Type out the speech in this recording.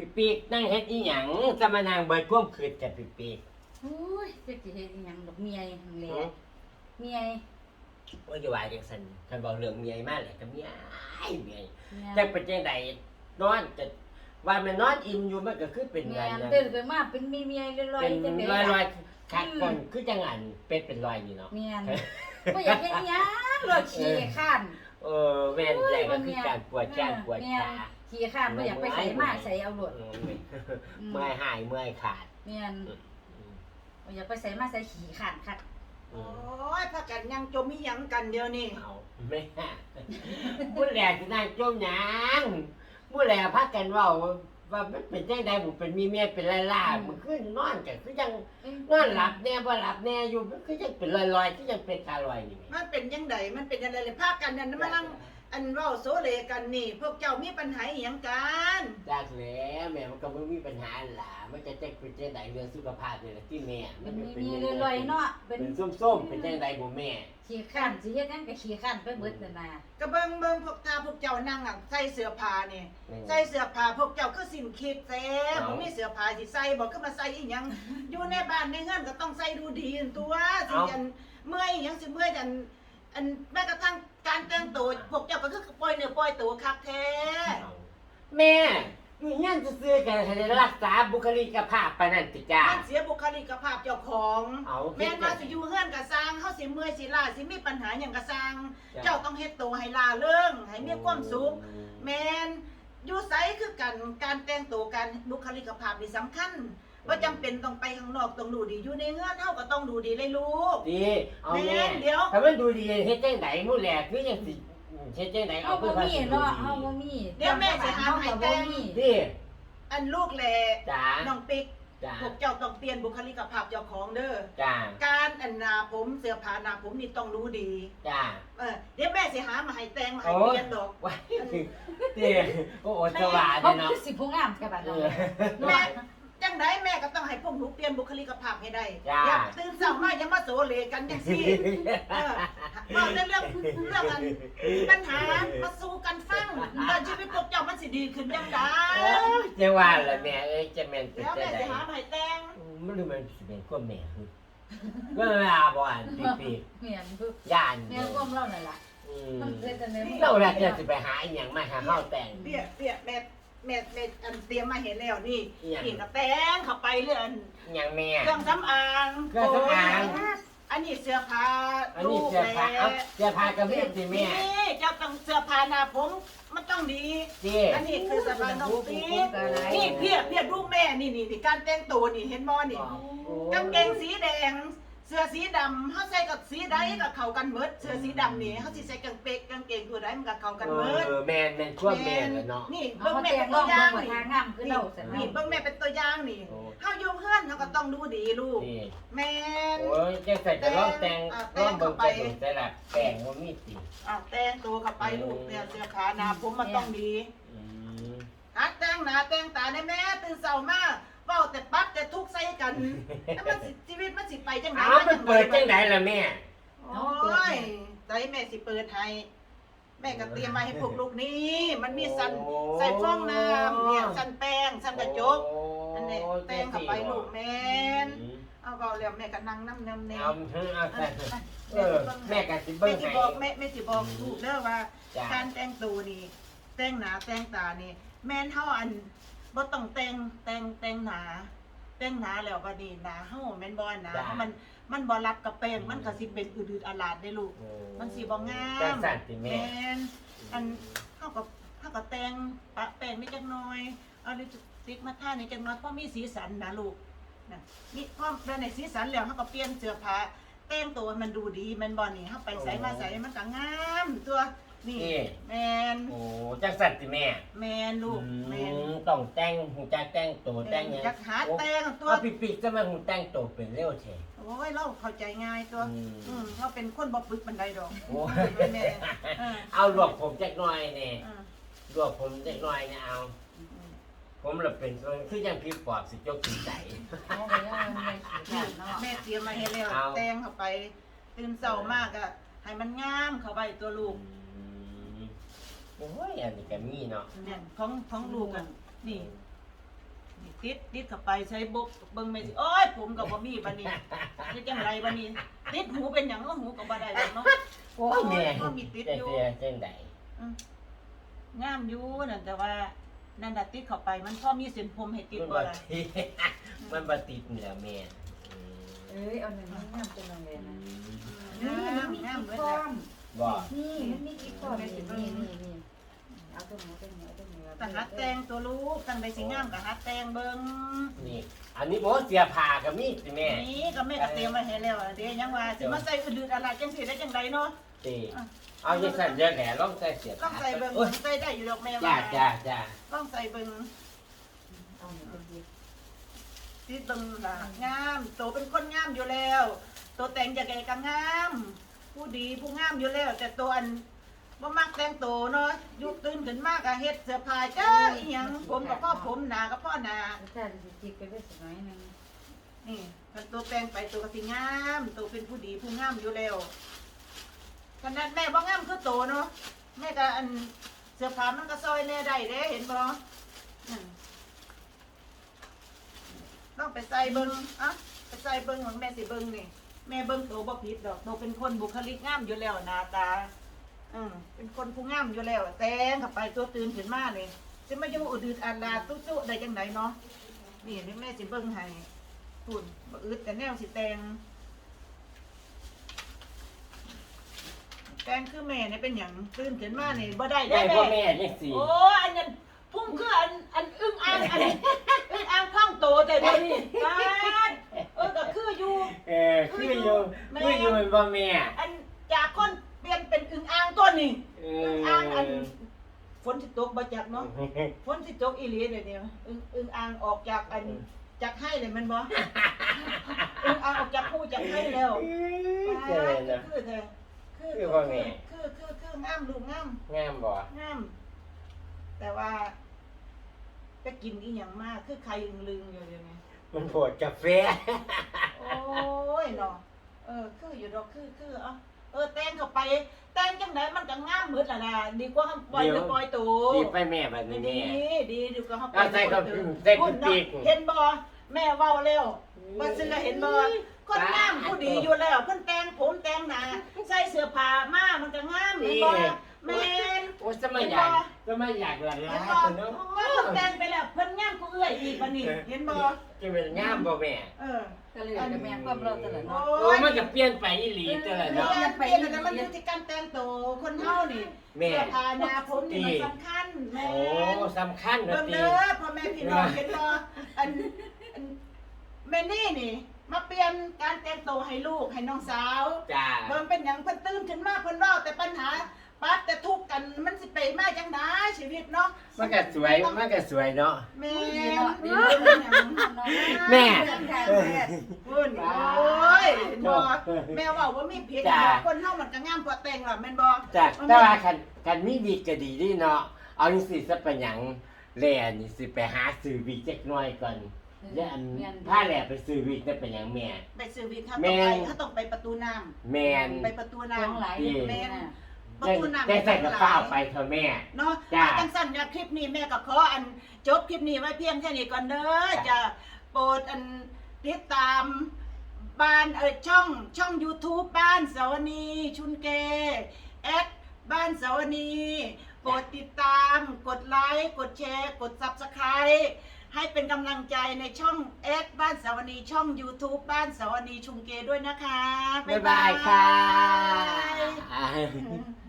ปีกนั่งเฮ็ดอีหยังจะมานั่งเบิดความคืดกับปีกโอ้ยจะสิเฮ็ดอีหยังดอกเมียหั่นแหละเมียว่าจะว่าจังซั่นคันเว้าเรื่องเมียมาแหละก็เมียจักเป็นจังไดนอนจะว่ามันนอนอิ่มอยู่มันก็คือเป็นเมียอันนั้นตื่นขึ้นมาเป็นเมียลอยๆจังได๋ลอยๆคักก่อนคือจังอันเป็นรอยอยู่เนาะเมียบ่อยากเฮ็ดอีหยังรอขี้ข้านแม่นใจก็คือการปวดแขนปวดขาขี้ข้านบ่อยากไปใส่มาใส่เอาโลดเมื่อยหายเมื่อยขาดเมียบ่อยากไปใส่มาใส่ขี้ข้านคักโอ้ยพากันยังจมมีหยังกันเดียวนี่เอาแม่ผู้แลสินั่งจมหยังผู้แลพากันเว้าว่ามันเป็นจังได๋บ่เป็นมีเมียเป็นล่าๆมันคือนอนก็คือจังนอนหลับแน่บ่หลับแน่อยู่มันคือจังเป็นลอยๆคือจังเป็นตาลอยนี่มันเป็นยังไงมันเป็นอะไรเลยพากันนั่นมานั่งอันเว้าโซเลกันนี่ พวกเจ้ามีปัญหาอีหยังกันจากแล้วแม่มันก็บ่มีปัญหาล่ะมันจะจังเป็นจังได๋เรื่องสุขภาพนี่แหละที่แม่เป็นเมียลอยๆเนาะเป็เป็น นส้มๆเป็นจังได๋บ่แม่ขี้ข้านสิเฮ็ดหยังก็ขี้ข้านไปเบิดนั่นน่ะก็เบิ่งพวกพวกเจ้านั่งอ่ะใส่เสื้อผ้านี่ใส่เสื้อผ้าพวกเจ้าคือสิ้นคิดแท้บ่มีเสื้อผ้าสิใส่บ่คือมาใส่อีหยังอยู่ในบ้านในเฮือนก็ต้องใส่ดูดีตัวสิอันเมื่อยอีหยังสิเมื่อยอันแม้กระทั่งการแต่งตัวพวกเจ้าก็คือปล่อยเนื้อปล่อยตัวคักแท้แม่อยู่เฮียนซื่อๆกันให้ได้รักษาบุคลิกภาพปานนั้นติจ้ามันเสียบุคลิกภาพเจ้าของเอาแม่นว่าสิอยู่เฮือนก็สร้างเฮาสิเมื่อยสิล้าสิมีปัญหาหยังก็สร้าง เจ้าต้องเฮ็ดตัวให้ล่าเริงให้มีความสุขแม่นอยู่ไสคือกันการแต่งตัวการบุคลิกภาพนี่สำคัญว่าจำเป็นต้องไปข้างนอกต้องดูดีอยู่ในเฮือนเฮาก็ต้องดูดีเลยลูกดีเอาแม่เดี๋ยวถ้ามันดูดีเฮ็ดจังได๋มื้อแรกคือจังสิเฮ็ดจังได๋เอาบ่มีเนาะเอาบ่มีเดี๋ยวแม่สิหาให้แต่งดีอันลูกแลจ้าน้องปิ๊กจ้าพวกเจ้าต้องเปลี่ยนบุคลิกภาพเจ้าของเด้อจ้าการอันหน้าผมเสื้อผ้าหน้าผมนี่ต้องรู้ดีจ้าเดี๋ยวแม่สิหามาให้แต่งมาให้เปลี่ยนดอกว้ายดีโอ้โหสว่างเขาเนาะคือสิผู้งามกับบัดเอนั้นอแม่จังไดแม่ก็ต้องให้พวกหนูเปลี่ยนบุคลิกภาพให้ได้จ้าอย่าตื่นเช้ามาอย่ามาโซเลกันจังซี่บอกเรื่องกันปัญหามาสู้กันฟังแล้วชีวิตพวกเจ้ามันสิดีขึ้นจังไดจะว่าละแม่เอ้ยจะแม่นเป็นแล้วจัแม่งได๋สิหามาให้แต่งมันดูมันสิเป็นความแม่คือเวลาบ่อ่านปีเมียนคือย่านเมียนความเล่านั่นล่ะมันเฮ็ดจังได๋เราละจะสิไปหาอีหยังมาหาเฮาแต่งเปี้ยแม่อันเตรียมมาเห็นแล้วนี่อิหยังนี่ก็แต่งเข้าไปเรื่องอีหยังแม่เครื่องสำอางเครื่องสำอางอันนี้เสื้อผ้าอันนี้เสื้อผ้าเอาเสื้อผ้ากระเบียบสิแม่นี่เจ้าต้องเสื้อผ้าหน้าผมมันต้องดีสิอันนี้คือเสื้อผ้าน้องปีนี่เพียดูแม่นี่การแต่งตัวนี่เห็นบ่นี่กางเกงสีแดง เสื้อสีดำเฮาใส่กับสีใดก็เข้ากันหมดเสื้อสีดำนี่เฮาสิใส่กางเกงตัวใดมันก็เข้ากันหมดแม่นควบแม่นเนาะนี่เบิ่เบิ่งงแม่แม่เป็เป็น นตัตัว วอาอย่าง งนี่นี่ทางงามคือเราซั่นนี่เนาะเบิ่งแม่เป็นตัวอย่างนี่เฮาอยู่เฮือนเฮาก็ต้องดูดีลูกนี่แม่นโอ้ยจังใส่จะร้องแต่งร้องเบิ่งกระดูกแต่ละแป้งบ่มีสิแต่งตัวเข้าไปลูกเนี่ยเสื้อขาหน้าผมมันต้องดีอืมหัดแต่งหน้าแต่งตาได้แม่ตื่นเช้ามาเว้าแต่ปั๊บแต่ทุกข์ใส่กันแล้วมันสิชีวิตมันสิไปจังได๋อ้าวมันเปิดจังได๋ล่ะแม่โอ้ยใจแม่สิเปิดให้แม่ก็เตรียมมาให้พวกลูกนี่มันมีสันใส่ฟองน้ำเนี่ยสันแป้งสันกระจกอันนี้แต่งเข้าไปลูกแม่นเอาเว้าแล้วแม่ก็นั่งน้ำแนมเอาเอาใส่แม่ก็สิแม่เบิ่งสิให้บอกแม่สิบอกลูกเด้อว่าจ้ะการแต่งตัวนี่แต่งหน้าแต่งตานี่แม่นเฮาอันบ่ต้องแต่งหน้าแล้วบัดนี้หน้าเฮาแม่นบ่หน้าเพราะมันบ่รับกับแป้งมันก็สิเป็นอืดๆอาลาดได้ลูกมันสิบ่งาจังมสั่นสิแม่แม่นอันเฮาก็แต่งปะแป้งนิดจักหน่อยเอาลิปสติกมาทานิดจักหน่อยเพราะมีสีสันนะลูกนะมีพอได้ในสีสันแล้วเฮาก็เปลี่ยนเสื้อผ้าแต่งตัวให้มันดูดีแม่นบ่นี่เฮาไปใส่มาใส่มันก็งามตัวนี่แม่นโอ้จังสั่นสิแม่แม่นลูกแม่นต้องแต่งหูจักแต่งตัวแต่งหยังจักหาแต่งตัวเอาปิดๆจะมาหูแต่งตัวเป็นเร็วแท้โอ้ยเราเข้าใจง่ายตัวเราเป็นคนบ่ปึกบันไดดอกโอ้แม่เอาลวกผมจักหน่อยนี่เออลวกผมจักหน่อยนี่เอา ผมละเป็นคือยังพี่ปอบสิจกสิใจเอาไปเอาแม่ขี้ข้านเนาะแม่เตรียมมาให้แล้วเอาแต่งเข้าไปตื่นเช้ามากอะให้มันงามเข้าไปตัวลูกโอ้ยอันนี้ก็มีเนาะเนี่ยของลูกอะนี่ติดเข้าไปใช้บกเบิ่งแม่สิโอ้ยผมก็บ่มีบัดนี้เฮ็ดจังไดบัดนี้ติดหูเป็นหยังหูก็บ่ได้ดอกเนาะโอ้ยแม่ก็มีติดอยู่เสียจังไดงามอยู่นั่นแต่ว่านั่นน่ะติดเข้าไปมันพอมีเส้นผมให้ติดมันบ่บ่ล่ะติดมันบ่ติดนี่แหละแม่เอ้ยเอาหนึ่งงามจังเลยนะงามเบิดก้อแล้วมบ่นี่มันมีกี่ก้อนนี่เอาตรงนี้เอาตรงนี้แต่หัดแต่งตัวลูกตั้งใดสิงามก็หัดแต่งเบิ่งนี่ อันนี้บ่เสียผ้าก็มีสิแม่นี่ก็แม่ก็เตรียมไว้ให้แล้วเด้ยังว่าสิมาใส่อืดๆอะไรจังสิได้จังไดเนาะติเอาจังซั่นเดี๋ยวแหล่ลองใส่เสียต้องใส่เบิ่งโอ้ยใส่ได้อยู่ดอกแม่จ้าว่าจ้าต้องใส่เบิ่งเอาหนึ่งเป็นดีติดเบิ่งล่ะงามโตเป็นคนงามอยู่แล้วโตแต่งจากแกก็งาม ผู้ดีผู้งามอยู่แล้ว แต่ตัวอันบ่มักแต่งโตวเนาะอยู่ตื่นขึ้นมาก็เฮ็ดเสื้อผ้าจ้าอีหยังผมกับพ่อผมหน้ากับพ่อหน้าถ้าจะจิกไปได้สักน้อยนึงนี่คันตัวแต่งไปตัวก็สิงามตัวเป็นผู้ดีผู้งามอยู่แล้วขนาดแม่บ่งามคือโตเนาะแม่ก็อันเสื้อผ้ามันก็ซอยแน่ได้เด้เห็นบ่นั่นต้องไปใส่เบิ่งอ่ะไปใส่เบิ่งของแม่สิเบิ่งนี่แม่เบิ่งโตบ่ผิดดอกโตเป็นคนบุคลิกงามอยู่แล้วหน้าตาเป็นคนผู้งามอยู่แล้ว แต่งเข้าไปตัวตื่นขึ้นมานี่จะมาอยู่อุดๆอันลาตุ๊ๆได้จังไดเนาะนี่แม่สิเบิ่งให้ คุณบ่อึดแต่แนวสิแต่งคือแม่เนี่ยเป็นอย่างตื่นขึ้นมานี่บ่ได้ได้ได้พ่อแม่แม่จังซี่โอ้อันนั้นพุ่งคืออันอึ้งอ่างอันอึ้งอ่างข้างโตแต่เดี๋ยวนี้บ้านก็คืออยู่คืออยู่บ่แม่อันจากคนเปลี่ยนเป็นอึ้งอ่างตัวนี้ อึ้งอ่างอันฝนสิตกบ่จักเนาะฝนสิตกอีหลีเดี๋ยวนี้อึ้งอ่างออกจากอันจากให้เลยมันบ่อึ้งอ่างออกจากคู่จากให้แล้วเจอเนาะคือเธอคืองามลูกงามงามบ่งาม แต่ว่าไปกินอีหยังมากคือใครลึงอยู่เดี๋ยวนี้มันโผดกาแฟโอ้ยเนาะคืออยู่ดอกคือแต่งเข้าไปแต่งจังไดมันก็งามหมดล่ะนะดีกว่าปล่อยปล่อยตัวดีไปแม่บัดนี้ดีแม่ดีกว่าเฮาเอาใส่กับใส่กับปีกเห็นบ่แม่เว้าแล้วบ่ซื้อเห็นบ่คนงามผู้ดีอยู่แล้วเพิ่นแต่งผมแต่งหน้าใส่เสื้อผ้ามามันก็งามเห็นบ่แม่นโอ้สมัยอยากหลังเห็นร้าบ่นเนาะเพิ่นแต่งไปแล้วเพิ่นงามกูเอื้อยอีกบัดนี้เห็นบ่จะเป็นงามบ่แม่ก็เลยกับแม่ความเราตลอดเนาะโอ้มันก็เปลี่ยนไปอีหลีแต่ละเนาะเนาะไปแล้วมันอยู่ที่การแต่งตัวคนเฮานี่แม่เสื้อผ้าหน้าผมนี่มันสำคัญแม่โอ้สำคัญนะเบิ่งตีเด้อพ่อแม่พี่น้องเห็นบ่อันแม่นี่มาเปลี่ยนการแต่งตัวให้ลูกให้น้องสาวจ้าเบิ่งเป็นหยังเพิ่นตื่นขึ้นมาเพิ่นเว้าแต่ปัญหาปั๊บแต่ทุกข์กันมันสิไปมาจังได๋ชีวิตเนาะมันก็สวยเนาะแม่ดีเนาะดีแม่พุ่นโอ้ยบ่แม่เว้าว่ามีผิดคนเฮามันก็งามกว่าแต่งล่ะแม่นบ่จ้าแต่ว่าคันมีวิกก็ดีดีเนาะเอาจังซี่ซะเป็นหยังแล่นี่สิไปหาซื้อวิกจักหน่อยก่อนแล้วอันพาแล่ไปซื้อวิกนั่นเป็นหยังแม่ไปซื้อวิกเขาแม่ต้องไปประตูน้ำแม่นไปประตูน้ำทั้งหลายแม่น ประได้ตูน้ำได้ใส่กระเป๋าไปเถอะแม่เนาะจ้าจังสั่นคลิปนี้แม่ก็ขออันจบคลิปนี้ไว้เพียงแค่นี้ก่อนเด้อจะโปรดอันติดตามบ้านช่อง YouTube บ้านสาวนีชุนเกแอดบ้านสาวนีโปรดติดตามกดไลค์กดแชร์กด Subscribe ให้เป็นกำลังใจในช่องแอดบ้านสาวนีช่อง YouTube บ้านสาวนีชุมเกด้วยนะคะบ๊ายบายค่ะ